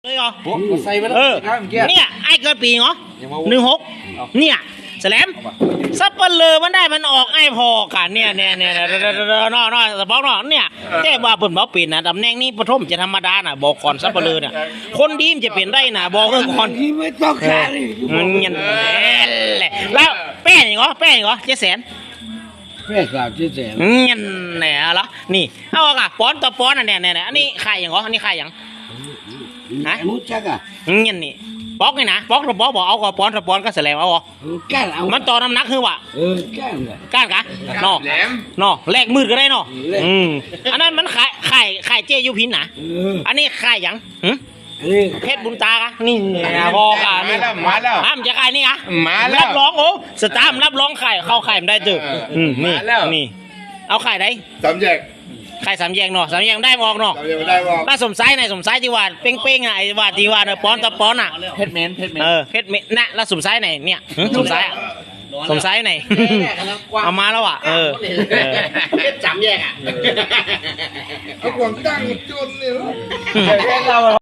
เลยเหรอใส่ไปแล้วเนี่ยไอ้เกิดปีเหรอ16เนี่ยแสลมซับเปลือมันได้มันออกไอ้พอกันเนี่ยนอสปอกนอเนี่ยแต่ว่าเปิ่นบอกปิ่นนะตำแหน่งนี้ปฐมจะธรรมดาน่ะบอกก่อนซับเปลือเนี่ยคนดีมจะเปลี่ยนได้น่ะบอกก่อนที่ไม่ต้องขายมันเงี้ยแหละแล้วแป้งเหรอ700,000 แม่สาวที่แสนเงี้ยแหน่ละนี่เอาอ่ะป้อนต่อป้อนอ่ะเนี่ยอันนี้ขายอย่างเหรออันนี้ขายอย่างฮะรู้จักอ่ะเงี้ยนี่ป๊อกไงนะป๊อกถ้าป๊อกบอกเอาก็ป้อนถ้าป้อนก็แสลงเอาอ๋อก้านเอามันต่อน้ำหนักคือวะก้านกะนอแลกมืดก็ได้นออันนั้นมันขายเจยุพินนะอันนี้ขายอย่างเพชรบุญตากะนี่บอกอ่ะนี่มาแล้วอ้ามจะขายนี่อ่ะมาแล้วรับรองโอ้สตาร์มรับรองขายเข้าขายไม่ได้จืดนี่เอาขายได้สามแยกขาย3 แยกเนาะ3 แยกได้บอกเนาะถ้าสมไซส์ไหนสมไซส์ที่ว่าเป้งๆอ่ะไอ้ว่าที่ว่าป้อนต่อป้อนอ่ะเพชรเมนเพชรเมนนะแล้วสมไซส์ไหนเนี่ยสมไซส์อ่ะสมไซส์ไหนเอามาแล้วอ่ะเพชร3 แยกอ่ะเอากวางตั้งจุดเลย